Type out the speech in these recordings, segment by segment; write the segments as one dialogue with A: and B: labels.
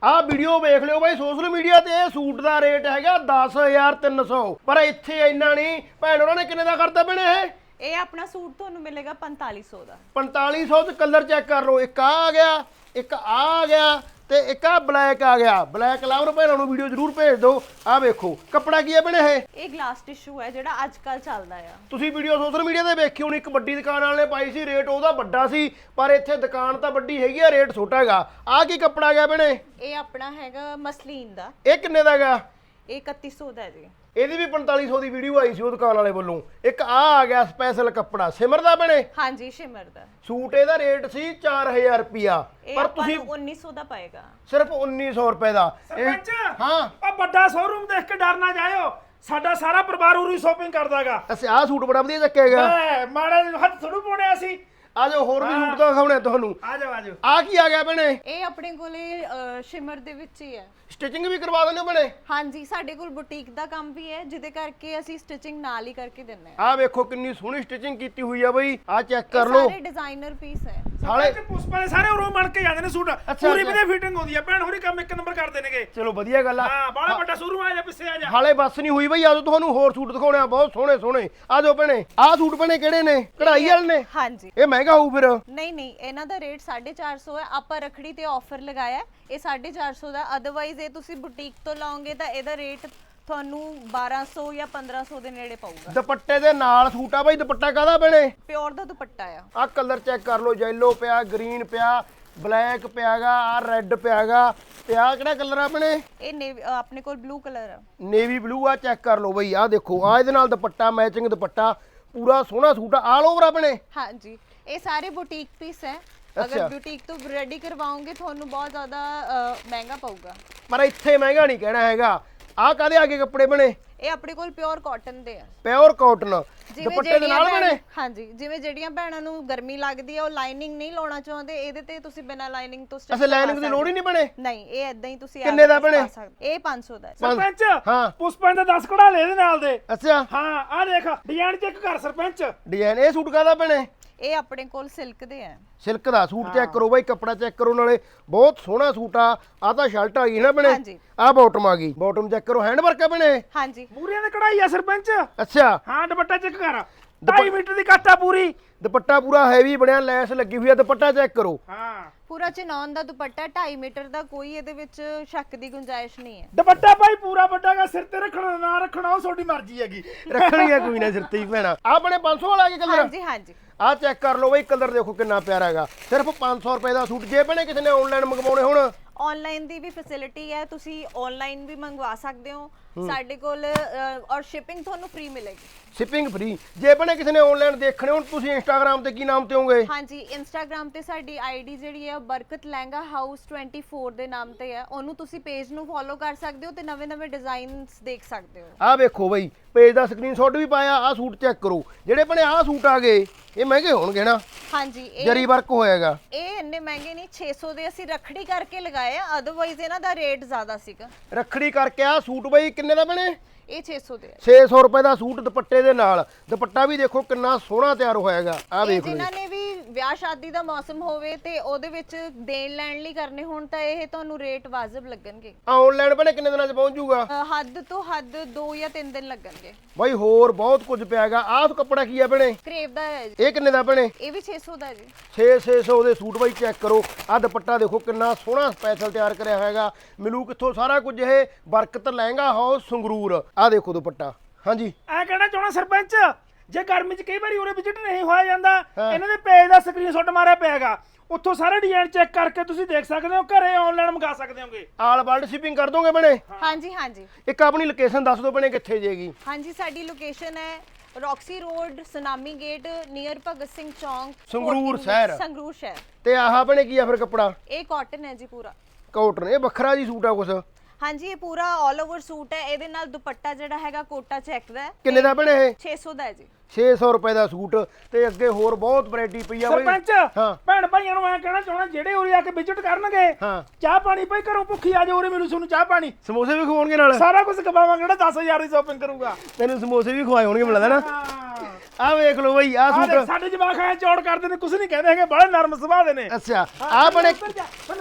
A: ਆ ਵੀਡੀਓ ਵੇਖ ਲਿਓ ਬਾਈ ਸੋਸ਼ਲ ਮੀਡੀਆ ਤੇ ਇਹ ਸੂਟ ਦਾ ਰੇਟ ਹੈਗਾ 10300 ਪਰ ਇੱਥੇ ਇੰਨਾ ਨਹੀਂ ਭੈਣ ਉਹਨਾਂ ਨੇ ਕਿੰਨੇ ਦਾ ਕਰਤਾ ਭੈਣੇ
B: ਇਹ ਆਪਣਾ ਸੂਟ ਤੁਹਾਨੂੰ ਮਿਲੇਗਾ 4500 ਦਾ
A: 4500 ਚ ਕਲਰ ਚੈੱਕ ਕਰ ਲਓ ਇੱਕ ਆ ਗਿਆ ਇੱਕ ਆ ਗਿਆ ਤੇ ਇੱਕ ਆ ਬਲੈਕ ਆ ਗਿਆ ਬਲੈਕ ਲਵਰ ਭੈਣਾਂ ਨੂੰ ਵੀਡੀਓ ਜ਼ਰੂਰ ਭੇਜ ਦਿਓ ਆ ਵੇਖੋ ਕੱਪੜਾ ਕੀ ਹੈ ਭੈਣੇ
B: ਇਹ ਗਲਾਸ ਟਿਸ਼ੂ ਹੈ ਜਿਹੜਾ ਅੱਜ ਕੱਲ ਚੱਲਦਾ ਆ
A: ਤੁਸੀਂ ਵੀਡੀਓ ਸੋਸ਼ਲ ਮੀਡੀਆ ਤੇ ਵੇਖੀ ਹੋਣੀ ਇੱਕ ਵੱਡੀ ਦੁਕਾਨ ਵਾਲੇ ਨੇ ਪਾਈ ਸੀ ਰੇਟ ਉਹਦਾ ਵੱਡਾ ਸੀ ਪਰ ਇੱਥੇ ਦੁਕਾਨ ਤਾਂ ਵੱਡੀ ਹੈਗੀ ਆ ਰੇਟ ਛੋਟਾ ਹੈਗਾ ਆ ਕੀ ਕੱਪੜਾ ਗਿਆ ਭੈਣੇ
B: ਇਹ ਆਪਣਾ ਹੈਗਾ ਮਸਲੀਨ ਦਾ
A: ਇਹ ਕਿੰਨੇ ਦਾ ਹੈਗਾ
B: ਇਹ 3100 ਦਾ ਹੈ ਜੀ
A: ਇਹਦੀ ਵੀ 4500 ਦੀ ਵੀਡੀਓ ਆਈ ਸੀ ਉਹ ਦੁਕਾਨ ਵਾਲੇ ਵੱਲੋਂ ਇੱਕ ਆ ਗਿਆ ਸਪੈਸ਼ਲ ਕੱਪੜਾ ਸਿਮਰ ਦਾ ਬਣੇ
B: ਹਾਂਜੀ ਸ਼ਿਮਰ ਦਾ
A: ਸੂਟ ਇਹਦਾ ਰੇਟ ਸੀ 4000 ਰੁਪਿਆ
B: ਪਰ ਤੁਸੀਂ 1900 ਦਾ ਪਾਏਗਾ
A: ਸਿਰਫ 1900 ਰੁਪਏ ਦਾ
C: ਸਰਪੰਚ
A: ਹਾਂ
C: ਆ ਵੱਡਾ ਸ਼ੋਰੂਮ ਦੇਖ ਕੇ ਡਰ ਨਾ ਜਾਇਓ ਸਾਡਾ ਸਾਰਾ ਪਰਿਵਾਰ ਉਰੀ ਸ਼ਾਪਿੰਗ ਕਰਦਾਗਾ
A: ਅਸੀਂ ਆਹ ਸੂਟ ਬੜਾ ਵਧੀਆ ਚੱਕੇਗਾ
C: ਮੈਂ ਮਾੜਾ ਜਿਹਾ ਹੱਥ ਥੋੜੂ ਪਾਉਣਿਆ ਸੀ
A: ਆ ਜਾਓ ਹੋਰ ਵੀ ਸੂਟ ਤਾਂ ਦਿਖਾਉਣੇ ਤੁਹਾਨੂੰ
C: ਆ ਜਾਓ
A: ਆ ਕੀ ਆ ਗਿਆ ਭੈਣੇ
B: ਇਹ ਆਪਣੇ ਕੋਲੇ ਸ਼ਿਮਰ ਦੇ ਵਿੱਚ ਹੀ ਹੈ
A: ਸਟਿਚਿੰਗ ਵੀ ਕਰਵਾ ਦਿੰਦੇ ਹੋ ਭੈਣੇ
B: ਹਾਂਜੀ ਸਾਡੇ ਕੋਲ ਬੁਟੀਕ ਦਾ ਕੰਮ ਵੀ ਹੈ ਜਿਹਦੇ ਕਰਕੇ ਅਸੀਂ ਸਟਿਚਿੰਗ ਨਾਲ ਹੀ ਕਰਕੇ ਦਿੰਨੇ ਆ
A: ਆ ਵੇਖੋ ਕਿੰਨੀ ਸੋਹਣੀ ਸਟਿਚਿੰਗ ਕੀਤੀ ਹੋਈ ਆ ਬਈ ਆ ਚੈੱਕ ਕਰ ਲਓ
B: ਸਾਰੇ ਡਿਜ਼ਾਈਨਰ ਪੀਸ ਹੈ
A: ਸਾਲੇ
C: ਤੇ ਪੁਸ਼ਪਾ ਦੇ ਸਾਰੇ ਉਰੋਂ ਬਣ ਕੇ ਜਾਂਦੇ ਨੇ ਸੂਟ ਪੂਰੀ ਵਧੀਆ ਫਿਟਿੰਗ ਹੁੰਦੀ ਆ ਭੈਣ ਹੋਰੀ ਕੰਮ ਇੱਕ ਨੰਬਰ ਕਰਦੇ ਨੇਗੇ
A: ਚਲੋ ਵਧੀਆ ਗੱਲ ਆ
C: ਹਾਂ ਬਾਲਾ ਵੱਡਾ ਸ਼ੋਰੂਮ ਆ ਜਾ ਪਿੱਛੇ ਆ ਜਾ
A: ਹਾਲੇ ਬਸ ਨਹੀਂ ਹੋਈ ਬਈ ਆਜੋ ਤੁਹਾਨੂੰ ਹੋਰ ਸੂਟ ਦਿਖਾਉਣੇ ਆ ਬਹੁਤ ਸੋਹਣੇ ਸੋਹਣੇ ਆ ਜਾਓ ਭੈਣੇ ਆ ਸੂਟ ਭੈਣੇ ਕਿਹੜੇ ਨੇ ਕਢਾਈ ਵਾਲੇ ਨੇ
B: ਹਾਂਜੀ
A: ਇਹ ਮਹਿੰਗਾ ਹੋਊ ਫਿਰ
B: ਨਹੀਂ ਇਹਨਾਂ ਦਾ ਰੇਟ 450 ਹੈ ਆਪਾਂ ਰਖੜੀ ਤੇ ਆਫਰ ਲਗਾਇਆ ਹੈ। ਇਹ 450 ਦਾ ਅਦਰਵਾਈਜ਼ ਇਹ ਤੁਸੀਂ ਬੁਟੀਕ ਤੋਂ ਲਾਓਗੇ ਤਾਂ ਇਹਦਾ ਰੇਟ ਤੁਹਾਨੂੰ 1200 ਜਾਂ 1500 ਦੇ ਨੇੜੇ ਪਊਗਾ
A: ਦੁਪੱਟੇ ਦੇ ਨਾਲ ਸੂਟ ਆ ਬਈ ਦੁਪੱਟਾ ਕਾਹਦਾ ਭੈਣੇ
B: ਪਿਓਰ ਦਾ ਦੁਪੱਟਾ ਆ
A: ਆ ਕਲਰ ਚੈੱਕ ਕਰ ਲਓ ਯੈਲੋ ਪਿਆ ਗ੍ਰੀਨ ਪਿਆ ਬਲੈਕ ਪਿਆਗਾ ਆ ਰੈੱਡ ਪਿਆਗਾ ਤੇ ਆ ਕਿਹੜਾ ਕਲਰ ਆ ਆਪਣੇ
B: ਇਹ ਆਪਣੇ ਕੋਲ ਬਲੂ ਕਲਰ ਆ
A: ਨੇਵੀ ਬਲੂ ਆ ਚੈੱਕ ਕਰ ਲਓ ਬਈ ਆ ਦੇਖੋ ਆ ਇਹਦੇ ਨਾਲ ਦੁਪੱਟਾ ਮੈਚਿੰਗ ਦੁਪੱਟਾ ਪੂਰਾ ਸੋਹਣਾ ਸੂਟ ਆ ਆਲ ਓਵਰ ਆਪਣੇ
B: ਹਾਂਜੀ ਇਹ ਸਾਰੇ ਬੁਟੀਕ ਪੀਸ ਹੈ ਅਗਰ ਬੁਟੀਕ ਤੋਂ ਰੈਡੀ ਕਰਵਾਓਗੇ ਤੁਹਾਨੂੰ ਬਹੁਤ ਜ਼ਿਆਦਾ ਮਹਿੰਗਾ ਪਊਗਾ
A: ਪਰ ਇੱਥੇ ਮਹਿੰਗਾ ਨਹੀਂ ਕਹਿਣਾ ਹੈਗਾ ਆ ਕਾਦੇ ਆਗੇ ਕੱਪੜੇ ਬਣੇ
B: ਇਹ ਆਪਣੇ ਕੋਲ ਪਿਓਰ ਕਾਟਨ ਦੇ ਆ
A: ਪਿਓਰ ਕਾਟਨ ਦੁਪੱਟੇ ਦੇ ਨਾਲ ਬਣੇ
B: ਹਾਂਜੀ ਜਿਵੇਂ ਜਿਹੜੀਆਂ ਭੈਣਾਂ ਨੂੰ ਗਰਮੀ ਲੱਗਦੀ ਹੈ ਉਹ ਲਾਈਨਿੰਗ ਨਹੀਂ ਲਾਉਣਾ ਚਾਹੁੰਦੇ ਇਹਦੇ ਤੇ ਤੁਸੀਂ ਬਿਨਾ ਲਾਈਨਿੰਗ ਤੋਂ
A: ਅਸੇ ਲਾਈਨਿੰਗ ਦੀ ਲੋੜ ਹੀ ਨਹੀਂ ਬਣੇ
B: ਨਹੀਂ ਇਹ ਇਦਾਂ ਹੀ ਤੁਸੀਂ
A: ਕਿੰਨੇ ਦਾ ਬਣੇ
B: ਇਹ 500 ਦਾ
C: ਸਰਪੰਚ
A: ਹਾਂ
C: ਪੁਸ਼ਪਾ ਦਾ 10 ਕੜਾ ਲੈ ਇਹਦੇ ਨਾਲ ਦੇ
A: ਅੱਛਾ
C: ਹਾਂ ਆ ਦੇਖ ਡਿਜ਼ਾਈਨ ਚੈੱਕ ਕਰ ਸਰਪੰਚ
A: ਡਿਜ਼ਾਈਨ ਇਹ ਸੂਟ ਕਾਦਾ ਬਣੇ
B: ਇਹ ਆਪਣੇ ਕੋਲ ਸਿਲਕ ਦੇ ਆ
A: ਸਿਲਕ ਦਾ ਸੂਟ ਚੈੱਕ ਕਰੋ ਬਾਈ ਕੱਪੜਾ ਚੈੱਕ ਕਰੋ ਨਾਲੇ ਬਹੁਤ ਸੋਹਣਾ ਸੂਟ ਆ ਤਾਂ ਸ਼ਰਟ ਆ ਗਈ ਨਾ ਬਣੇ
B: ਹਾਂਜੀ
A: ਆ ਬਾਟਮ ਆ ਗਈ ਬਾਟਮ ਚੈੱਕ ਕਰੋ ਹੈਂਡ ਵਰਕ ਆ ਬਣੇ
B: ਹਾਂਜੀ
C: ਮੂਰੀਆਂ ਦੇ ਕਢਾਈ ਆ ਸਰਪੰਚ
A: ਅੱਛਾ
C: ਹਾਂ ਦੁਪੱਟਾ ਚੈੱਕ ਕਰ 2.5 ਮੀਟਰ ਦੀ ਕੱਟ ਆ ਪੂਰੀ
A: ਦੁਪੱਟਾ ਪੂਰਾ ਹੈਵੀ ਬਣਿਆ ਲੈਸ ਲੱਗੀ ਹੋਈ ਆ ਦੁਪੱਟਾ ਚੈੱਕ ਕਰੋ
C: ਹਾਂ
B: ਪੂਰਾ ਚਨੌਨ ਦਾ ਦੁਪੱਟਾ 2.5 ਮੀਟਰ ਦਾ ਕੋਈ ਇਹਦੇ ਵਿੱਚ ਸ਼ੱਕ ਦੀ ਗੁੰਜਾਇਸ਼ ਨਹੀਂ ਹੈ
C: ਦੁਪੱਟਾ ਭਾਈ ਪੂਰਾ ਵੱਡਾਗਾ ਸਿਰ ਤੇ ਰੱਖਣਾ ਨਾ ਰੱਖਣਾ ਉਹ ਤੁਹਾਡੀ ਮਰਜ਼ੀ ਹੈਗੀ
A: ਰੱਖਣੀ ਆ ਕੋਈ ਨਾ ਸਿਰ ਤੇ ਹੀ ਭੈਣਾ ਆ ਬਣੇ 500 ਵਾਲਾ ਕੀ ਕਲਰ
B: ਹਾਂਜੀ ਹਾਂਜੀ
A: ਆ ਚੈੱਕ ਕਰ ਲਓ ਬਈ ਕਲਰ ਦੇਖੋ ਕਿੰਨਾ ਪਿਆਰਾ ਹੈਗਾ ਸਿਰਫ 500 ਰੁਪਏ ਦਾ ਸੂਟ ਜੇ ਭੈਣੇ ਕਿਸੇ ਨੇ ਆਨਲਾਈਨ ਮੰਗਵਾਉਣੇ ਹੁਣ
B: ਆਨਲਾਈਨ ਦੀ ਵੀ ਫੈਸਿਲਿਟੀ ਹੈ ਤੁਸੀਂ ਆਨਲਾਈਨ ਵੀ ਮੰਗਵਾ ਸਕਦੇ ਹੋ ਸਾਡੇ ਕੋਲ ਔਰ ਸ਼ਿਪਿੰਗ ਤੁਹਾਨੂੰ ਫ੍ਰੀ ਮਿਲੇਗੀ
A: ਸ਼ਿਪਿੰਗ ਫ੍ਰੀ ਜੇ ਭੈਣੇ ਕਿਸੇ ਨੇ ਆਨਲਾਈਨ ਦੇਖਣੇ ਹੁਣ ਤੁਸੀਂ ਇੰਸਟਾਗ੍ਰam ਤੇ ਕੀ ਨਾਮ ਤੇ ਹੋਗੇ
B: ਹਾਂਜੀ ਇੰਸਟਾਗ੍ਰam ਤੇ ਸਾਡੀ ਆਈਡੀ ਜਿਹੜੀ ਹੈ ਬਰਕਤ ਲਹਿੰਗਾ ਹਾਊਸ 24 ਦੇ ਨਾਮ ਤੇ ਹੈ ਉਹਨੂੰ ਤੁਸੀਂ ਪੇਜ ਨੂੰ ਫੋਲੋ ਕਰ ਸਕਦੇ ਹੋ ਤੇ ਨਵੇਂ ਡਿਜ਼ਾਈਨਸ ਦੇਖ ਸਕਦੇ ਹੋ
A: ਆ ਵੇਖੋ ਬਈ ਪੇਜ ਦਾ ਸਕਰੀਨਸ਼ਾਟ ਵੀ ਪਾਇਆ ਆ ਸੂਟ ਚੈੱਕ ਕਰੋ ਜਿਹੜੇ ਭੈਣੇ ਆ ਸੂਟ ਆ ਗਏ ਇਹ ਮਹਿੰਗੇ ਹੋਣਗੇ ਨਾ
B: ਹਾਂਜੀ
A: ਜਰੀ ਵਰਕ ਹੋਏਗਾ
B: ਇਹ ਇੰਨੇ ਮਹਿੰਗੇ ਨਹੀਂ 600 ਦੇ ਅਸੀਂ ਰੱਖੜੀ ਕਰਕੇ ਲਗਾਏ ਆ ਅਦਰਵਾਈਜ਼ ਇਹਨਾਂ ਦਾ ਰੇਟ ਜ਼ਿਆਦਾ ਸੀਗਾ
A: ਰੱਖੜੀ ਕਰਕੇ ਆ ਸੂਟ ਬਈ ਕਿੰਨੇ ਦਾ ਬਣੇ
B: ਇਹ 600 ਦੇ
A: 600 ਰੁਪਏ ਦਾ ਸੂਟ ਦੁਪੱਟੇ ਦੇ ਨਾਲ ਦੁਪੱਟਾ ਵੀ ਦੇਖੋ ਕਿੰਨਾ ਸੋਹਣਾ ਤਿਆਰ ਹੋਇਆਗਾ ਆ ਵੇਖ ਲਓ
B: ਜਿਨ੍ਹਾਂ ਨੇ ਵੀ ਵਿਆਹ ਸ਼ਾਦੀ ਦਾ ਮੌਸਮ ਹੋਵੇ ਤੇ ਉਹਦੇ ਵਿੱਚ ਦੇਣ ਲੈਣ ਲਈ ਕਰਨੇ ਹੋਣ ਤਾਂ ਇਹ ਤੁਹਾਨੂੰ ਰੇਟ ਵਾਜਬ ਲੱਗਣਗੇ
A: ਆਨਲਾਈਨ ਬਣੇ ਕਿੰਨੇ ਦਿਨਾਂ 'ਚ ਪਹੁੰਚ ਜਾਊਗਾ
B: ਹੱਦ ਤੋਂ ਹੱਦ 2 ਜਾਂ 3 ਦਿਨ ਲੱਗਣਗੇ
A: ਬਾਈ ਹੋਰ ਬਹੁਤ ਕੁਝ ਪਿਆਗਾ ਆਹ ਕੱਪੜਾ ਕੀ ਆ ਬਣੇ
B: ਕਰੇਵ ਦਾ ਹੈ ਜੀ
A: ਇਹ ਕਿੰਨੇ ਦਾ ਬਣੇ
B: ਇਹ ਵੀ 600 ਦਾ ਜੀ
A: 600 ਦੇ ਸੂਟ ਬਾਈ ਚੈੱਕ ਕਰੋ ਆ ਦੁਪੱਟਾ ਦੇਖੋ ਕਿੰਨਾ ਸੋਹਣਾ ਸਪੈਸ਼ਲ ਤਿਆਰ ਕਰਿਆ ਹੋਇਆਗਾ ਮਿਲੂ ਕਿੱਥੋਂ ਸਾਰਾ ਕੁਝ ਇਹ ਬਰਕਤ ਲਹਿੰਗਾ ਹਾਊਸ ਸੰਗਰੂਰ ਆ ਦੇਖੋ ਦੁਪੱਟਾ ਹਾਂਜੀ
C: ਐ ਕਹਿਣਾ ਚਾਹਣਾ ਸਰਪੰਚ ਜੇ ਗਰਮੀ 'ਚ ਕਈ ਵਾਰੀ ਉਰੇ ਵਿਜ਼ਿਟ ਨਹੀਂ ਹੋਇਆ ਜਾਂਦਾ ਇਹਨਾਂ ਦੇ ਪੇਜ ਦਾ ਸਕਰੀਨਸ਼ਾਟ ਮਾਰਿਆ ਪਿਆਗਾ ਉੱਥੋਂ ਸਾਰੇ ਡਿਜ਼ਾਈਨ ਚੈੱਕ ਕਰਕੇ ਤੁਸੀਂ ਦੇਖ ਸਕਦੇ ਹੋ ਘਰੇ ਆਨਲਾਈਨ ਮੰਗਾ ਸਕਦੇ ਹੋਗੇ
A: ਆਲ ਵਰਲਡ ਸ਼ਿਪਿੰਗ ਕਰ ਦੋਗੇ ਬਣੇ
B: ਹਾਂਜੀ ਹਾਂਜੀ
A: ਇੱਕ ਆਪਣੀ ਲੋਕੇਸ਼ਨ ਦੱਸ ਦਿਓ ਬਣੇ ਕਿੱਥੇ ਜੇਗੀ
B: ਹਾਂਜੀ ਸਾਡੀ ਲੋਕੇਸ਼ਨ ਹੈ Roxy road Sunami gate near Bhagat Singh ਚੌਂਕ
A: ਸੰਗਰੂਰ ਸ਼ਹਿਰ
B: ਸੰਗਰੂਰ ਸ਼ਹਿਰ
A: ਤੇ ਆਹ ਬਣੇ ਕੀ ਆ ਫਿਰ ਕੱਪੜਾ
B: ਇਹ ਕਾਟਨ ਹੈ ਜੀ ਪੂਰਾ
A: ਕਾਟਨ ਇਹ ਵੱਖਰਾ ਜੀ ਸੂਟ ਆ ਕੁਛ
B: ਹਾਂਜੀ ਇਹ ਪੂਰਾ ਆਲ ਓਵਰ ਸੂਟ ਹੈ ਇਹਦੇ ਨਾਲ ਦੁਪੱਟਾ ਜਿਹੜਾ ਹੈਗਾ ਕੋਟਾ ਚੈੱਕ ਦਾ ਹੈ
A: ਕਿੰਨੇ ਦਾ ਬਣੇ ਇਹ
B: 600 ਦਾ ਹੈ ਜੀ
A: 600 ਰੁਪਏ ਦਾ ਸੂਟ ਤੇ ਅੱਗੇ ਹੋਰ ਬਹੁਤ ਵੈਰਾਈਟੀ ਪਈ ਆ ਬਈ
C: ਸਰਪੰਚ
A: ਹਾਂ
C: ਭੈਣ ਭਾਈਆਂ ਨੂੰ ਐ ਕਹਿਣਾ ਚਾਹਣਾ ਜਿਹੜੇ ਉਰੇ ਆ ਕੇ ਵਿਜ਼ਿਟ ਕਰਨਗੇ
A: ਹਾਂ
C: ਚਾਹ ਪਾਣੀ ਭਾਈ ਘਰੋਂ ਭੁੱਖੀ ਆ ਜਾ ਉਰੇ ਮੈਨੂੰ ਤੁਹਾਨੂੰ ਚਾਹ ਪਾਣੀ
A: ਸਮੋਸੇ ਵੀ ਖਵਾਉਣਗੇ ਨਾਲ
C: ਸਾਰਾ ਕੁਝ ਖਵਾਵਾਂਗੇ ਜਿਹੜਾ 10000 ਦੀ ਸ਼ਾਪਿੰਗ ਕਰੂਗਾ
A: ਤੈਨੂੰ ਸਮੋਸੇ ਵੀ ਖਵਾਏ ਹੋਣਗੇ ਮਿਲਦਾ ਨਾ ਆ ਵੇਖ ਲਓ ਬਈ ਆ
C: ਆਹ ਦੇਖ
A: ਸੂਟ
C: ਸਾਡੇ ਜਵਾਕ ਐ ਚੌੜ ਕਰਦੇ ਨੇ ਕੁਝ ਨਹੀਂ ਕਹਿੰਦੇ ਹੈਗੇ ਬੜੇ ਨਰਮ ਸੁਭਾਅ ਦੇ ਨੇ
A: ਅੱਛਾ ਆ ਬਣੇ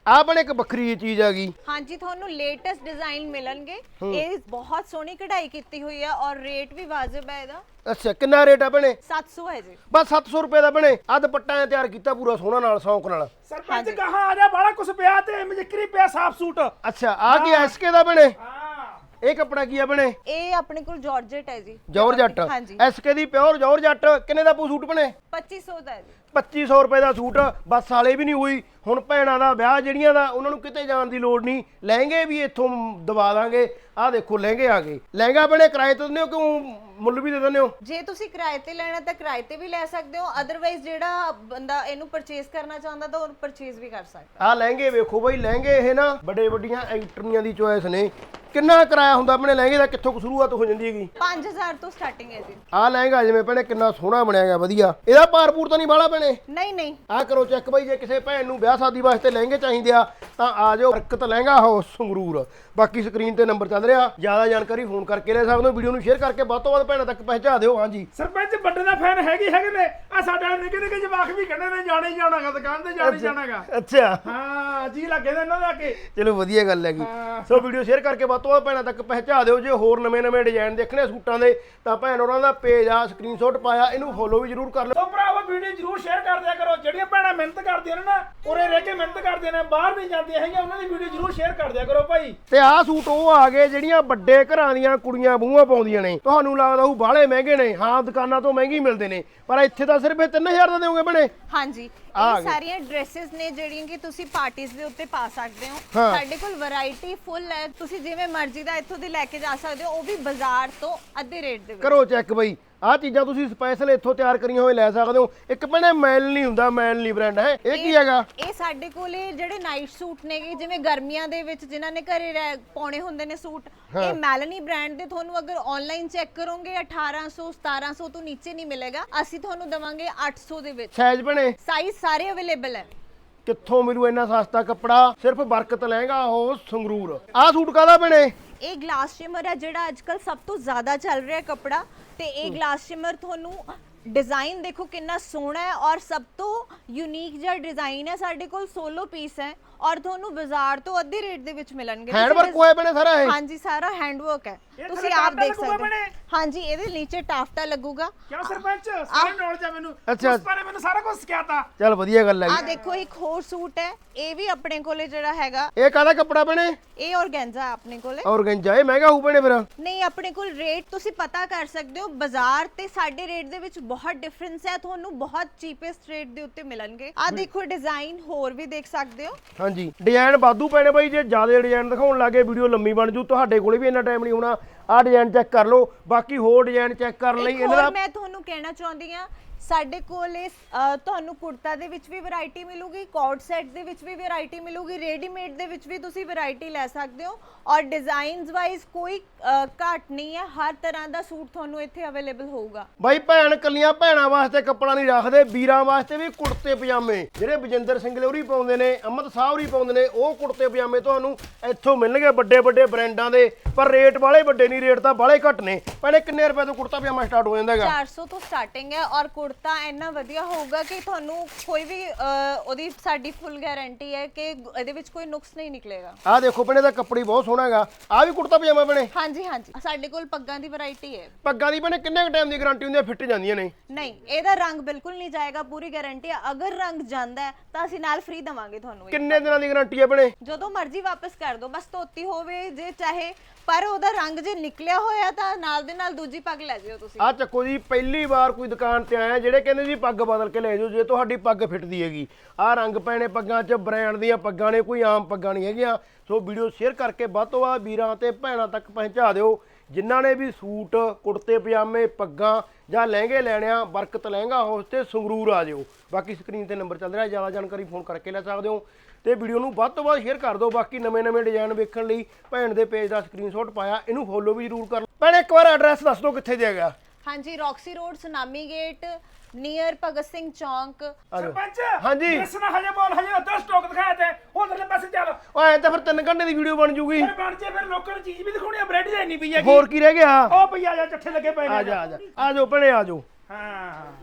A: ਆ ਬਣੇ ਇੱਕ ਵੱਖਰੀ ਜਿਹੀ ਚੀਜ਼ ਆ ਗਈ।
B: ਹਾਂਜੀ ਤੁਹਾਨੂੰ ਲੇਟੈਸਟ ਡਿਜ਼ਾਈਨ ਮਿਲਣਗੇ। ਇਹ ਬਹੁਤ ਸੋਹਣੀ ਕਢਾਈ ਕੀਤੀ ਹੋਈ ਹੈ ਔਰ ਰੇਟ ਵੀ ਵਾਜਬ ਹੈ ਇਹਦਾ।
A: ਅੱਛਾ ਕਿੰਨਾ ਰੇਟ ਆ ਬਣੇ?
B: 700 ਹੈ ਜੀ।
A: ਬਸ 700 ਰੁਪਏ ਦਾ ਬਣੇ। ਆ ਦੁਪੱਟਾ ਐ ਤਿਆਰ ਕੀਤਾ ਪੂਰਾ ਸੋਹਣਾ ਨਾਲ ਸ਼ੌਂਕ ਨਾਲ।
C: ਸਰਪੰਚ ਕਹਾਂ ਆ ਜਾ, ਬਾਲਾ ਕੁਛ ਪਿਆ ਤੇ ਮਜਕਰੀ ਪਿਆ ਸਾਫ ਸੂਟ।
A: ਅੱਛਾ ਆ ਕੀ ਐਸਕੇ ਦਾ ਬਣੇ?
C: ਹਾਂ
A: ਇਹ ਕੱਪੜਾ ਕੀ ਆ ਬਣੇ?
B: ਇਹ ਆਪਣੇ ਕੋਲ ਜਾਰਜਟ ਹੈ ਜੀ।
A: ਜੌਰਜੱਟ
B: ਹਾਂਜੀ
A: ਐਸਕੇ ਦੀ ਪਿਓਰ ਜੌਰਜੱਟ। ਕਿੰਨੇ ਦਾ ਪੂ ਸੂਟ ਬਣੇ?
B: 2500 ਦਾ ਹੈ ਜੀ।
A: 2500 ਰੁਪਏ ਦਾ ਸੂਟ। ਬਸ ਵਾਲੇ ਵੀ ਨਹੀਂ ਹੋਈ। ਹੁਣ ਭੈਣਾਂ ਦਾ ਵਿਆਹ ਜਿਹੜੀਆਂ ਦਾ ਉਹਨਾਂ ਨੂੰ ਕਿਤੇ ਜਾਣ ਦੀ ਲੋੜ ਨਹੀਂ। ਲਹਿੰਗੇ ਵੀ ਇੱਥੋਂ ਦਵਾ ਦਾਂਗੇ। ਆਹ ਦੇਖੋ ਲਹਿੰਗੇ ਆ ਗਏ। ਲਹਿੰਗਾ ਬਣੇ ਕਿਰਾਏ ਤੇ ਦਿੰਦੇ ਹੋ ਕਿਉਂ ਮੁੱਲ ਵੀ ਦੇ ਦਿੰਦੇ ਹੋ?
B: ਜੇ ਤੁਸੀਂ ਕਿਰਾਏ ਤੇ ਲੈਣਾ ਤਾਂ ਕਿਰਾਏ ਤੇ ਵੀ ਲੈ ਸਕਦੇ ਹੋ। ਅਦਰਵਾਈਜ਼ ਜਿਹੜਾ ਬੰਦਾ ਇਹਨੂੰ ਪਰਚੇਸ ਕਰਨਾ ਚਾਹੁੰਦਾ ਤਾਂ ਉਹ ਪਰਚੇਸ ਵੀ ਕਰ ਸਕਦਾ।
A: ਆਹ ਲਹਿੰਗੇ ਵੇਖੋ ਬਈ। ਲਹਿੰਗੇ ਇਹ ਨਾ ਬੜੇ ਵੱਡੀਆਂ ਐਕਟਰੀਆਂ ਦੀ ਚੋਇਸ ਨੇ। ਕਿੰਨਾ ਕਿਰਾਇਆ ਹੁੰਦਾ ਆਪਣੇ ਲਹਿੰਗੇ ਦਾ? ਕਿੱਥੋਂ ਕੁ ਸ਼ੁਰੂਆਤ ਹੋ ਜਾਂਦੀ ਹੈਗੀ?
B: 5000 ਤੋਂ ਸਟਾਰਟਿੰਗ ਹੈ ਜੀ।
A: ਆਹ ਲਹਿੰਗਾ ਜਿਵੇਂ ਭੈਣੇ ਕਿੰਨਾ ਸੋਹਣਾ ਬਣਿਆ ਗਿਆ ਵਧੀਆ। ਇਹਦਾ ਭਾਰਪੂਰ ਤਾਂ ਨਹੀਂ ਬਾਹਲਾ ਭੈਣੇ?
B: ਨਹੀਂ ਨਹੀਂ
A: ਆਹ ਕਰੋ ਚੈੱਕ ਬਈ। ਜੇ ਕਿਸੇ ਭੈਣ ਨੂੰ ਵਿਆਹ ਸ਼ਾਦੀ ਵਾਸਤੇ ਲਹਿੰਗੇ ਚਾਹੀਦੇ ਆ ਤਾਂ ਆ ਜਾਓ ਬਰਕਤ ਲਹਿੰਗਾ ਹਾਊਸ ਸੰਗਰੂਰ। ਬਾਕੀ ਸਕਰੀਨ ਤੇ ਨੰਬਰ ਚੱਲ ਰਿਹਾ। ਜ਼ਿਆਦਾ ਜਾਣਕਾਰੀ ਫੋਨ ਕਰਕੇ ਲੈ ਸਕਦੇ ਹੋ। ਵੀਡੀਓ ਨੂੰ ਸ਼ੇਅਰ ਕਰਕੇ ਵੱਧ ਤੋਂ ਵੱਧ ਭੈਣਾਂ ਤੱਕ ਪਹੁੰਚਾ ਦਿਓ। ਹਾਂਜੀ
C: ਸਰਪੰਚ ਵੱਡੇ ਦਾ ਫੈਨ ਹੈਗੇ ਨੇ। ਆ ਸਾਡਾ ਨਿੱਕੇ ਨਿੱਕੇ ਜਵਾਕ ਵੀ ਕਹਿੰਦੇ ਨੇ ਜਾਣਾ ਹੀ ਜਾਣਾਗਾ, ਦੁਕਾਨ ਤੇ ਜਾਣਾ ਹੀ ਜਾਣਾਗਾ।
A: ਅੱਛਾ
C: ਹਾਂ ਜੀ ਲੱਗੇ ਨੇ ਇਹਨਾਂ ਦੇ ਆ ਕੇ।
A: ਚਲੋ ਵਧੀਆ ਗੱਲ ਹੈਗੀ।
C: ਹਾਂ।
A: ਸੋ ਵੀਡੀਓ ਸ਼ੇਅਰ ਕਰਕੇ ਵੱਧ ਤੋਂ ਵੱਧ ਭੈਣਾਂ ਤੱਕ ਪਹੁੰਚਾ ਦਿਓ। ਜੇ ਹੋਰ ਨਵੇਂ ਡਿਜ਼ਾਈਨ ਦੇਖਣੇ ਸੂਟਾਂ ਦੇ ਤਾਂ ਭੈਣ ਉਹਨਾਂ ਦਾ ਪੇਜ ਆ ਸਕਰੀਨਸ਼ਾਟ ਪਾਇਆ, ਇਹਨੂੰ ਫੋਲੋ ਵੀ ਜ਼ਰੂਰ ਕਰ ਲਓ।
C: ਸੋ ਭਰਾਵੋ ਵੀਡੀਓ ਜ਼ਰੂਰ ਸ਼ੇਅਰ ਕਰ ਦਿਆ ਕਰੋ। ਜਿਹੜੀਆਂ ਭੈਣਾਂ ਮਿਹਨਤ ਕਰਦੀਆਂ ਨੇ ਨਾ, ਉਰੇ ਰਹਿ ਕੇ ਮਿਹਨਤ ਕਰਦੀਆਂ ਨੇ, ਬਾਹਰ ਨਹੀਂ ਜਾਂਦੀਆਂ ਹੈਗੀਆਂ, ਉਹਨਾਂ ਦੀ ਵੀਡੀਓ ਜ਼ਰੂਰ ਸ਼ੇਅਰ ਕਰ ਦਿਆ ਕਰੋ ਭਾਈ।
A: ਤੇ ਆਹ ਸੂਟ ਉਹ ਆ ਗਏ ਜਿਹੜੀਆਂ ਵੱਡੇ ਘਰਾਂ ਦੀਆਂ ਕੁੜੀਆਂ ਬੂਹਾਂ ਪਾਉਂਦੀਆਂ ਨੇ। ਤੁਹਾਨੂੰ ਲੱਗਦਾ ਉਹ ਬਾਹਲੇ ਮਹਿੰਗੇ ਨੇ। ਹਾਂ ਦੁਕਾਨਾਂ ਤੋਂ ਮਹਿੰਗੇ ਮਿਲਦੇ ਨੇ, ਪਰ ਇੱਥੇ ਤਾਂ ਸਿਰਫ 3000 ਦਾ ਦੇਵੋਗੇ ਬਣੇ।
B: ਹਾਂਜੀ ਇਹ ਸਾਰੀਆਂ ਡਰੈਸਸ ਨੇ ਜਿਹੜੀਆਂ ਕਿ ਤੁਸੀਂ ਪਾਰਟੀਆਂ ਦੇ ਉੱਤੇ ਪਾ ਸਕਦੇ ਹੋ। ਸਾਡੇ ਕੋਲ ਵੈਰਾਈਟੀ ਫੁੱਲ ਹੈ। ਤੁਸੀਂ ਜਿਵੇਂ ਮਰਜ਼ੀ ਦਾ ਇੱਥੋਂ ਦੀ ਲੈ ਕੇ ਜਾ ਸਕਦੇ ਹੋ, ਉਹ ਵੀ ਬਾਜ਼ਾਰ ਤੋਂ ਅੱਧੇ ਰੇਟ ਦੇ ਵਿੱਚ।
A: ਕਰੋ ਚੈੱਕ ਬਈ। ਆਹ ਚੀਜ਼ਾਂ ਤੁਸੀਂ ਸਪੈਸ਼ਲ ਇੱਥੋਂ ਤਿਆਰ ਕਰੀਆਂ ਹੋਏ ਲੈ ਸਕਦੇ ਹੋ। ਇੱਕ ਭੈਣੇ ਮੈਲ ਨਹੀਂ ਹੁੰਦਾ, ਮੈਲ ਨਹੀਂ ਬ੍ਰਾਂਡ ਹੈ। ਇਹ ਕੀ ਹੈਗਾ?
B: ਇਹ ਸਾਡੇ ਕੋਲੇ ਜਿਹੜੇ ਨਾਈਟ ਸੂਟ ਨੇਗੇ, ਜਿਵੇਂ ਗਰਮੀਆਂ ਦੇ ਵਿੱਚ ਜਿਨ੍ਹਾਂ ਨੇ ਘਰੇ ਪਾਉਣੇ ਹੁੰਦੇ ਨੇ ਸੂਟ, ਇਹ ਮੈਲਨੀ ਬ੍ਰਾਂਡ ਦੇ ਤੁਹਾਨੂੰ ਅਗਰ ਆਨਲਾਈਨ ਚੈੱਕ ਕਰੋਗੇ 1800 1700 ਤੋਂ ਨੀਚੇ ਨਹੀਂ ਮਿਲੇਗਾ। ਅਸੀਂ ਤੁਹਾਨੂੰ ਦਵਾਂਗੇ 800 ਦੇ ਵਿੱਚ।
A: ਸਾਈਜ਼ ਬਣੇ
B: ਸਾਈਜ਼ ਸਾਰੇ ਅਵੇਲੇਬਲ ਹੈ।
A: ਕਿੱਥੋਂ ਮਿਲੂ ਇੰਨਾ ਸਸਤਾ ਕੱਪੜਾ? ਸਿਰਫ ਬਰਕਤ ਲਹਿੰਗਾ ਉਹ ਸੰਗਰੂਰ। ਆਹ ਸੂਟ ਕਾਹਦਾ ਬਣੇ?
B: ਇਹ ਗਲਾਸ ਸ਼ਿਮਰ ਹੈ ਜਿਹੜਾ ਅੱਜਕੱਲ ਸਭ ਤੋਂ ਜ਼ਿਆਦਾ ਚੱਲ ਰਿਹਾ ਕੱਪੜਾ। ਤੇ ਇਹ ਗਲਾਸ ਸ਼ਿਮਰ ਤੁਹਾਨੂੰ डिजाइन देखो कितना सोहना है और सब तो यूनिक जिहा डिजाइन है। साडे कोल 16 पीस है और ਤੁਹਾਨੂੰ ਬਾਜ਼ਾਰ ਤੋਂ ਅੱਧੇ ਰੇਟ ਦੇ ਵਿੱਚ ਮਿਲਣਗੇ।
A: ਹੈਂਡ ਵਰਕ ਹੋਇਆ ਬਣੇ ਸਾਰਾ ਇਹ?
B: ਹਾਂਜੀ ਸਾਰਾ ਹੈਂਡ ਵਰਕ ਹੈ, ਤੁਸੀਂ ਆਪ ਦੇਖ ਸਕਦੇ ਹੋ। ਹਾਂਜੀ ਇਹਦੇ ਨੀਚੇ ਟਾਫਟਾ ਲੱਗੂਗਾ।
C: ਕਿਉਂ ਸਰਪੰਚ ਸਾਰੇ ਨੌਲੇਜ ਆ ਮੈਨੂੰ,
A: ਅੱਛਾ
C: ਉਸ ਬਾਰੇ ਮੈਨੂੰ ਸਾਰਾ ਕੁਝ ਸਿਖਾਤਾ।
A: ਚੱਲ ਵਧੀਆ ਗੱਲ ਹੈ।
B: ਆ ਦੇਖੋ ਇੱਕ ਹੋਰ ਸੂਟ ਹੈ, ਇਹ ਵੀ ਆਪਣੇ ਕੋਲੇ ਜਿਹੜਾ ਹੈਗਾ।
A: ਇਹ ਕਾਹਦਾ ਕੱਪੜਾ ਬਣੇ?
B: ਇਹ ਔਰਗੈਂਜ਼ਾ ਆਪਣੇ ਕੋਲੇ।
A: ਔਰਗੈਂਜ਼ਾ ਇਹ ਮਹਿੰਗਾ ਹੋਊ ਬਣੇ ਫਿਰ?
B: ਨਹੀਂ ਆਪਣੇ ਕੋਲ ਰੇਟ ਤੁਸੀਂ ਪਤਾ ਕਰ ਸਕਦੇ ਹੋ, ਬਾਜ਼ਾਰ ਤੇ ਸਾਡੇ ਰੇਟ ਦੇ ਵਿੱਚ ਬਹੁਤ ਡਿਫਰੈਂਸ ਹੈ। ਤੁਹਾਨੂੰ ਬਹੁਤ ਚੀਪੈਸਟ ਰੇਟ ਦੇ ਉੱਤੇ ਮਿਲਣਗੇ। ਆ ਦੇਖੋ ਡਿਜ਼ਾਈਨ ਹੋਰ ਵੀ ਦੇਖ ਸਕਦੇ ਹੋ।
A: ਹਾਂਜੀ ਡਿਜ਼ਾਈਨ ਵਾਧੂ ਪੈਣੇ ਬਾਈ, ਜੇ ਜ਼ਿਆਦਾ ਡਿਜ਼ਾਈਨ ਦਿਖਾਉਣ ਲੱਗੇ ਵੀਡੀਓ ਲੰਮੀ ਬਣ ਜੂ। ਤੁਹਾਡੇ ਕੋਲੇ ਵੀ ਇੰਨਾ ਟਾਈਮ ਨਹੀਂ ਹੋਣਾ। ਆਹ ਡਿਜ਼ਾਈਨ ਚੈੱਕ ਕਰ ਲਓ, ਬਾਕੀ ਹੋਰ ਡਿਜ਼ਾਈਨ ਚੈੱਕ ਕਰਨ ਲਈ ਇਹਨਾਂ ਦਾ
B: ਮੈਂ ਤੁਹਾਨੂੰ ਕਹਿਣਾ ਚਾਹੁੰਦੀ ਆ ਸਾਡੇ ਕੋਲੇ ਤੁਹਾਨੂੰ ਕੁੜਤਾ ਦੇ ਵਿੱਚ ਵੀ ਵੈਰਾਈਟੀ ਮਿਲੂਗੀ, ਕੋਟ ਸੈਟ ਦੇ ਵਿੱਚ ਵੀ ਵੈਰਾਈਟੀ ਮਿਲੂਗੀ, ਰੈਡੀਮੇਡ ਦੇ ਵਿੱਚ ਵੀ ਤੁਸੀਂ ਵੈਰਾਈਟੀ ਲੈ ਸਕਦੇ ਹੋ ਔਰ ਡਿਜ਼ਾਈਨਸ ਵਾਈਜ਼ ਕੋਈ ਘਾਟ ਨਹੀਂ ਹੈ। ਹਰ ਤਰ੍ਹਾਂ ਦਾ ਸੂਟ ਤੁਹਾਨੂੰ ਇੱਥੇ ਅਵੇਲੇਬਲ ਹੋਊਗਾ।
A: ਬਾਈ ਭੈਣ ਕੱਲੀਆਂ ਭੈਣਾਂ ਵਾਸਤੇ ਕੱਪੜਾ ਨਹੀਂ ਰੱਖਦੇ, ਵੀਰਾਂ ਵਾਸਤੇ ਵੀ ਕੁੜਤੇ ਪਜਾਮੇ ਜਿਹੜੇ ਬਜਿੰਦਰ ਸਿੰਘ ਲੋਰੀ ਪਾਉਂਦੇ ਨੇ, ਅਮਿਤ ਸਾਹਿਬ ਪਾਉਂਦੇ ਨੇ, ਉਹ ਕੁੜਤੇ ਪਜਾਮੇ ਤੁਹਾਨੂੰ ਇੱਥੋਂ ਮਿਲਣਗੇ ਵੱਡੇ ਵੱਡੇ ਬ੍ਰਾਂਡਾਂ ਦੇ। ਪਰ ਰੇਟ ਵਾਲੇ ਵੱਡੇ ਨਹੀਂ, ਰੇਟ ਤਾਂ ਬਾਲੇ ਘੱਟ ਨੇ। ਭੈਣੇ ਕਿੰਨੇ ਰੁਪਏ ਤੋਂ ਕੁੜਤਾ ਪਜਾਮਾ ਸਟਾਰਟ ਹੋ ਜਾਂਦਾ ਹੈਗਾ?
B: 400 ਤੋਂ ਸਟਾਰਟਿੰਗ ਹੈ ਔਰ ਕੁੜਤਾ ਇੰਨਾ ਵਧੀਆ ਹੋਊਗਾ ਕਿ ਤੁਹਾਨੂੰ ਕੋਈ ਵੀ ਉਹਦੀ ਸਾਡੀ ਫੁੱਲ ਗਾਰੰਟੀ ਹੈ ਕਿ ਇਹਦੇ ਵਿੱਚ ਕੋਈ ਨੁਕਸ ਨਹੀਂ ਨਿਕਲੇਗਾ।
A: ਆਹ ਦੇਖੋ ਭੈਣੇ ਦਾ ਕੱਪੜੀ ਬਹੁਤ ਸੋਹਣਾ ਹੈਗਾ। ਆਹ ਵੀ ਕੁੜਤਾ ਪਜਾਮਾ ਭੈਣੇ?
B: ਹਾਂਜੀ ਹਾਂਜੀ ਸਾਡੇ ਕੋਲ ਪੱਗਾਂ ਦੀ ਵੈਰਾਈਟੀ ਹੈ।
A: ਪੱਗਾਂ ਦੀ ਭੈਣੇ ਕਿੰਨੇ ਟਾਈਮ ਦੀ ਗਾਰੰਟੀ ਹੁੰਦੀ ਹੈ? ਫਿੱਟ ਜਾਂਦੀਆਂ ਨੇ?
B: ਨਹੀਂ ਇਹਦਾ ਰੰਗ ਬਿਲਕੁਲ ਨਹੀਂ ਜਾਏਗਾ, ਪੂਰੀ ਗਾਰੰਟੀ ਹੈ। ਅਗਰ ਰੰਗ ਜਾਂਦਾ ਹੈ ਤਾਂ ਅਸੀਂ ਨਾਲ ਫ੍ਰੀ ਦਵਾਂਗੇ ਤੁਹਾਨੂੰ।
A: ਕਿੰਨੇ ਦਿਨਾਂ ਦੀ ਗਾਰੰਟੀ ਹੈ ਭੈਣੇ?
B: ਜਦੋਂ ਮਰਜ਼ੀ ਵਾਪਸ ਕਰ ਦਿਓ, ਬਸ ਧੋਤੀ ਹੋਵੇ ਜੇ ਚਾਹੇ, ਪਰ ਉਹਦਾ ਰੰਗ ਜੇ ਨਿਕਲਿਆ ਹੋਇਆ ਤਾਂ ਨਾਲ ਦੇ ਨਾਲ ਦੂਜੀ ਪੱਗ ਲੈ ਜਿਓ ਤੁਸੀਂ।
A: ਆਹ ਚੱਕੋ ਜੀ, ਪਹਿਲੀ ਵਾਰ ਕੋਈ ਦੁਕਾਨ ਤੇ ਆਇਆ ਜਿਹੜੇ ਕਹਿੰਦੇ ਜੀ ਪੱਗ ਬਦਲ ਕੇ ਲੈ ਜਾਓ ਜੇ ਤੁਹਾਡੀ ਪੱਗ ਫਿੱਟਦੀ ਹੈਗੀ। ਆਹ ਰੰਗ ਪੈਣੇ ਪੱਗਾਂ 'ਚ, ਬ੍ਰਾਂਡ ਦੀਆਂ ਪੱਗਾਂ ਨੇ, ਕੋਈ ਆਮ ਪੱਗਾਂ ਨਹੀਂ ਹੈਗੀਆਂ। ਸੋ ਵੀਡੀਓ ਸ਼ੇਅਰ ਕਰਕੇ ਵੱਧ ਤੋਂ ਵੱਧ ਵੀਰਾਂ ਤੇ ਭੈਣਾਂ ਤੱਕ ਪਹੁੰਚਾ ਦਿਓ। ਜਿਨ੍ਹਾਂ ਨੇ ਵੀ ਸੂਟ, ਕੁੜਤੇ ਪਜਾਮੇ, ਪੱਗਾਂ ਜਾਂ ਲਹਿੰਗੇ ਲੈਣੇ ਆ, ਬਰਕਤ ਲਹਿੰਗਾ ਹਾਊਸ ਤੇ ਸੰਗਰੂਰ ਆ ਜਿਓ। ਬਾਕੀ ਸਕਰੀਨ ਤੇ ਨੰਬਰ ਚੱਲ ਰਿਹਾ, ਜ਼ਿਆਦਾ ਜਾਣਕਾਰੀ ਫੋਨ ਕਰਕੇ ਲੈ ਸਕਦੇ ਹੋ। ਤੇ ਵੀਡੀਓ ਨੂੰ ਵੱਧ ਤੋਂ ਵੱਧ ਸ਼ੇਅਰ ਕਰ ਦਿਓ। ਬਾਕੀ ਨਵੇਂ ਡਿਜ਼ਾਈਨ ਵੇਖਣ ਲਈ ਭੈਣ ਦੇ ਪੇਜ ਦਾ ਸਕਰੀਨਸ਼ਾਟ ਪਾਇਆ, ਇਹਨੂੰ ਫੋਲੋ ਵੀ ਜ਼ਰੂਰ ਕਰ ਲਓ। ਭੈਣੇ ਇੱਕ ਵਾਰ ਐਡਰੈਸ ਦੱਸ ਦਿਓ ਕਿੱਥੇ ਦੇ ਹੈਗਾ?
B: ਹਾਂਜੀ Roxy road, Sunami gate, near Bhagat Singh ਚੌਂਕ।
C: ਸਰਪੰਚ
A: ਹਾਂਜੀ
C: ਇਸ ਨਾ ਹਜੇ ਬੋਲ, ਹਜੇ ਅੱਧਾ ਸਟਾਕ ਦਿਖਾਇਆ ਤੇ ਉਧਰਲੇ ਪਾਸੇ ਚੱਲ।
A: ਓ ਐ ਤਾਂ ਫਿਰ 3 ਘੰਟੇ ਦੀ ਵੀਡੀਓ ਬਣ ਜੂਗੀ।
C: ਫਿਰ ਬਣ ਜੇ, ਫਿਰ ਲੋਕਾਂ ਨੂੰ ਚੀਜ਼ ਵੀ ਦਿਖਾਉਣੀ ਆ। ਬ੍ਰੈਡ ਜੇ ਨਹੀਂ ਪਈ ਹੈਗੀ।
A: ਹੋਰ ਕੀ ਰਹਿ ਗਿਆ?
C: ਉਹ ਪਈ ਆ ਜਾ, ਚੱਠੇ ਲੱਗੇ ਪਏ ਨੇ।
A: ਆ ਜਾ ਆ ਜਾ ਆ ਜਾਓ ਭੈਣੇ, ਆ ਜਾਓ।
C: ਹਾਂ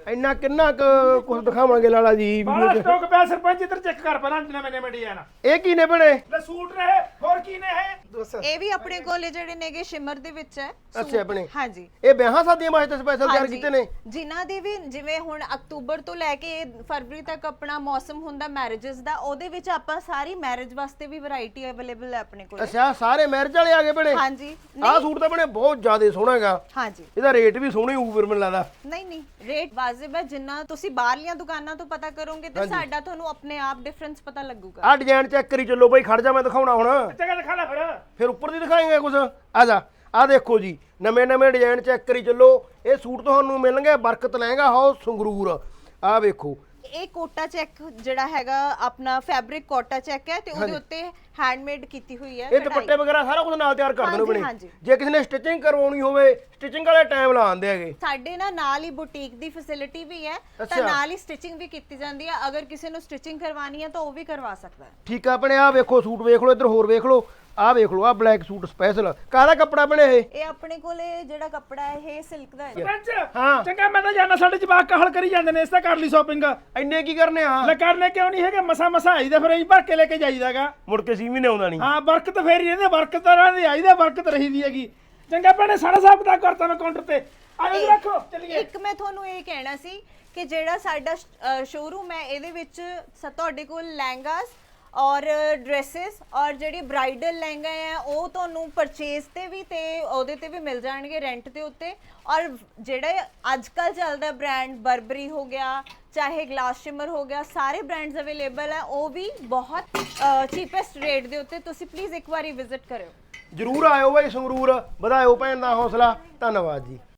A: ਇੰਨਾ ਕਿੰਨਾ ਕੁਝ ਦਿਖਾਵਾਂਗੇ ਲਾਲਾ ਜੀ
C: ਬਾਹਲਾ
A: ਵੀਡੀਓ 'ਚ।
C: ਸਟਾਕ ਪਿਆ ਸਰਪੰਚ, ਇੱਧਰ ਚੈੱਕ ਕਰ ਪਹਿਲਾਂ ਨਵੇਂ ਡਿਜ਼ਾਈਨ।
A: ਇਹ ਕੀ ਨੇ ਬਣੇ?
C: ਲੈ ਸੂਟ ਨੇ ਇਹ, ਹੋਰ ਕੀ ਨੇ ਇਹ?
B: ਇਹ ਵੀ ਆਪਣੇ ਕੋਲੇ ਜਿਹੜੇ ਨੇਗੇ ਸ਼ਿਮਰ ਦੇ ਵਿੱਚ ਹੈ
A: ਅੱਛਾ ਆਪਣੇ
B: ਹਾਂਜੀ
A: ਇਹ ਵਿਆਹਾਂ ਸ਼ਾਦੀਆਂ ਵਾਸਤੇ ਸਪੈਸ਼ਲ ਤਿਆਰ
B: ਹਾਂਜੀ।
A: ਕੀਤੇ ਨੇ।
B: ਜਿਨ੍ਹਾਂ ਦੀ ਵੀ ਜਿਵੇਂ ਹੁਣ ਅਕਤੂਬਰ ਤੋਂ ਲੈ ਕੇ ਫਰਵਰੀ ਤੱਕ ਆਪਣਾ ਮੌਸਮ ਹੁੰਦਾ ਮੈਰਿਜਸ ਦਾ, ਉਹਦੇ ਵਿੱਚ ਆਪਾਂ ਸਾਰੀ ਮੈਰਿਜ ਵਾਸਤੇ ਵੀ ਵੈਰਾਈਟੀ ਅਵੇਲੇਬਲ ਹੈ ਆਪਣੇ ਕੋਲ।
A: ਅੱਛਾ ਸਾਰੇ ਮੈਰਿਜ ਵਾਲੇ ਆ ਗਏ ਬਣੇ।
B: ਹਾਂਜੀ
A: ਆਹ ਸੂਟ ਤਾਂ ਬਣੇ ਬਹੁਤ ਜ਼ਿਆਦਾ ਸੋਹਣਾ ਹੈਗਾ।
B: ਹਾਂਜੀ
A: ਇਹਦਾ ਰੇਟ ਵੀ ਸੋਹਣਾ ਹੀ ਹੋਊ ਫਿਰ ਮੈਨੂੰ ਲੱਗਦਾ।
B: ਨਹੀਂ ਰੇਟ ਵਾਜਿਬ ਹੈ, ਜਿੰਨਾ ਤੁਸੀਂ ਬਾਹਰਲੀਆਂ ਦੁਕਾਨਾਂ ਤੋਂ ਪਤਾ ਕਰੋਗੇ ਤੇ ਸਾਡਾ ਤੁਹਾਨੂੰ ਆਪਣੇ ਆਪ ਡਿਫਰੈਂਸ ਪਤਾ ਲੱਗੂਗਾ।
A: ਆਹ ਡਿਜ਼ਾਈਨ ਚੈੱਕ ਕਰੀ ਚੱਲੋ ਬਾਈ, ਖੜ ਜਾ ਮੈਂ ਦਿਖਾਉਣਾ ਹੁਣ।
C: ਜਗ੍ਹਾ ਦਿਖਾ ਲੈ
A: ਫਿਰ ਉੱਪਰ ਦੀ ਦਿਖਾਏਂਗੇ ਕੁਝ। ਆ ਜਾ ਆਹ ਦੇਖੋ ਜੀ ਨਵੇਂ ਡਿਜ਼ਾਈਨ ਚੈੱਕ ਕਰੀ ਚੱਲੋ। ਇਹ ਸੂਟ ਤੁਹਾਨੂੰ ਮਿਲਣਗੇ ਬਰਕਤ ਲਹਿੰਗਾ ਹਾਊਸ ਸੰਗਰੂਰ। ਆਹ ਵੇਖੋ
B: ਇਹ ਕੋਟਾ ਚੈੱਕ ਜਿਹੜਾ ਹੈਗਾ ਆਪਣਾ ਫੈਬਰਿਕ ਕੋਟਾ ਚੈੱਕ ਹੈ ਤੇ ਉਹਦੇ ਉੱਤੇ ਹੈਂਡਮੇਡ ਕੀਤੀ ਹੋਈ ਹੈ
A: ਇਹ ਦੁਪੱਟੇ ਵਗੈਰਾ ਸਾਰਾ ਕੁਝ ਨਾਲ ਤਿਆਰ ਕਰ ਦਿੰਦੇ ਬਣੇ।
B: ਹਾਂਜੀ।
A: ਜੇ ਕਿਸੇ ਨੇ ਸਟਿਚਿੰਗ ਕਰਵਾਉਣੀ ਹੋਵੇ ਸਟਿਚਿੰਗ ਵਾਲੇ ਟਾਈਮ ਲਾ ਆਉਂਦੇ ਹੈਗੇ।
B: ਸਾਡੇ ਨਾਲ ਹੀ ਬੁਟੀਕ ਦੀ ਫੈਸਿਲਿਟੀ ਵੀ ਹੈ ਤਾਂ
A: ਅੱਛਾ।
B: ਨਾਲ ਹੀ ਸਟਿਚਿੰਗ ਵੀ ਕੀਤੀ ਜਾਂਦੀ ਹੈ। ਅਗਰ ਕਿਸੇ ਨੂੰ ਸਟਿਚਿੰਗ ਕਰਵਾਉਣੀ ਹੈ ਤਾਂ ਉਹ ਵੀ ਕਰਵਾ ਸਕਦਾ ਹੈ।
A: ਠੀਕ ਆ ਆਪਣੇ ਆਹ ਵੇਖੋ ਸੂਟ ਵੇਖ ਲਓ, ਇੱਧਰ ਹੋਰ ਵੇਖ ਲਓ। ਆਹ ਵੇਖ ਲਓ ਆਹ ਬਲੈਕ ਸੂਟ ਸਪੈਸ਼ਲ ਕਾਹਦਾ ਕੱਪੜਾ ਬਣੇ ਇਹ?
B: ਇਹ ਆਪਣੇ ਕੋਲੇ ਜਿਹੜਾ ਕੱਪੜਾ ਹੈ ਇਹ ਸਿਲਕ ਦਾ ਹੈ।
C: ਸਰਪੰਚ
A: ਹਾਂ।
C: ਚੰਗਾ ਮੈਂ ਤਾਂ ਜਾਣਾ, ਸਾਡੇ ਜਵਾਕ ਕਾਹਲ ਕਰੀ ਜਾਂਦੇ ਨੇ, ਇਸ ਤਾਂ ਕਰ ਲਈ ਸ਼ਾਪਿੰਗ।
A: ਇੰਨੇ ਕੀ ਕਰਨੇ ਆ?
C: ਲੈ ਕਰਨੇ ਕਿਉਂ ਨਹੀਂ ਹੈਗੇ, ਮਸਾ ਆਈਦਾ ਫਿਰ ਅਸੀਂ ਭਰ ਕੇ ਲੈ ਕੇ ਜਾਈਦਾਗਾ।
A: ਮੁੜ ਕੇ 6 ਮਹੀਨੇ ਆਉਂਦਾ ਨਹੀਂ।
C: ਹਾਂ ਬਰਕਤ ਫੇਰ ਹੀ ਰਹਿੰਦੇ, ਬਰਕਤ ਤਾਂ ਰਹਿੰਦੀ ਆਈਦਾ, ਬਰਕਤ ਰਹੀਦੀ ਹੈਗੀ। ਚੰਗਾ ਭੈਣੇ ਸਾਡਾ ਹਿਸਾਬ ਕਿਤਾਬ ਕਰਤਾ ਮੈਂ ਕਾਊਂਟਰ ਤੇ। ਆਜੋ ਰੱਖੋ ਚੱਲੀਏ।
B: ਇੱਕ ਮੈਂ ਤੁਹਾਨੂੰ ਇਹ ਕਹਿਣਾ ਸੀ ਕਿ ਜਿਹੜਾ ਸਾਡਾ ਸ਼ੋਰੂਮ ਹੈ ਇਹਦੇ ਵਿੱਚ ਤੁਹਾਡੇ ਕੋਲ ਲਹਿੰਗਾਸ ਔਰ ਡਰੈਸਸ ਔਰ ਜਿਹੜੀ ਬ੍ਰਾਈਡਲ ਲਹਿੰਗਾ ਹੈ ਉਹ ਤੁਹਾਨੂੰ ਪਰਚੇਸ ਤੇ ਵੀ ਤੇ ਉਹਦੇ ਤੇ ਵੀ ਮਿਲ ਜਾਣਗੇ ਰੈਂਟ ਦੇ ਉੱਤੇ। ਔਰ ਜਿਹੜਾ ਅੱਜ ਕੱਲ ਚੱਲਦਾ ਬ੍ਰਾਂਡ ਬਰਬਰੀ ਹੋ ਗਿਆ ਚਾਹੇ ਗਲਾਸ ਸ਼ਿਮਰ ਹੋ ਗਿਆ, ਸਾਰੇ ਬ੍ਰਾਂਡਸ ਅਵੇਲੇਬਲ ਹੈ, ਉਹ ਵੀ ਬਹੁਤ ਚੀਪੈਸਟ ਰੇਟ ਦੇ ਉੱਤੇ। ਤੁਸੀਂ ਪਲੀਜ਼ ਇੱਕ ਵਾਰੀ ਵਿਜ਼ਿਟ ਕਰਿਓ।
A: ਜਰੂਰ ਆਇਓ ਬਾਈ ਸੰਗਰੂਰ, ਵਧਾਇਓ ਭੈਣ ਦਾ ਹੌਸਲਾ। ਧੰਨਵਾਦ ਜੀ।